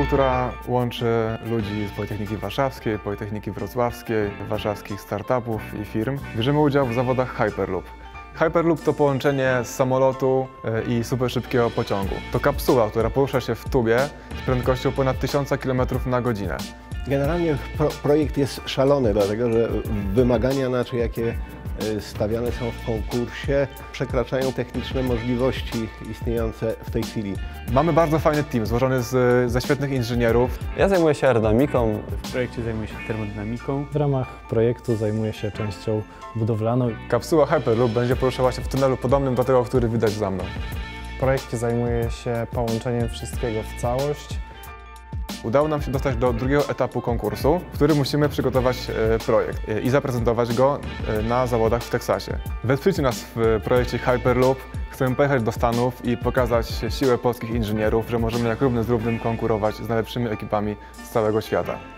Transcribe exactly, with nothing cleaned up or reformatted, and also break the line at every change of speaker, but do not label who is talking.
która łączy ludzi z Politechniki Warszawskiej, Politechniki Wrocławskiej, warszawskich startupów i firm. Bierzemy udział w zawodach Hyperloop. Hyperloop to połączenie z samolotu i superszybkiego pociągu. To kapsuła, która porusza się w tubie z prędkością ponad tysiąc kilometrów na godzinę.
Generalnie pro, projekt jest szalony, dlatego że wymagania, znaczy jakie stawiane są w konkursie, przekraczają techniczne możliwości istniejące w tej chwili.
Mamy bardzo fajny team złożony z, ze świetnych inżynierów.
Ja zajmuję się aerodynamiką.
W projekcie zajmuję się termodynamiką.
W ramach projektu zajmuję się częścią budowlaną.
Kapsuła Hyperloop będzie poruszała się w tunelu podobnym do tego, który widać za mną.
W projekcie zajmuję się połączeniem wszystkiego w całość.
Udało nam się dostać do drugiego etapu konkursu, w którym musimy przygotować projekt i zaprezentować go na zawodach w Teksasie. Wesprzyjcie nas w projekcie Hyperloop. Chcemy pojechać do Stanów i pokazać siłę polskich inżynierów, że możemy jak równy z równym konkurować z najlepszymi ekipami z całego świata.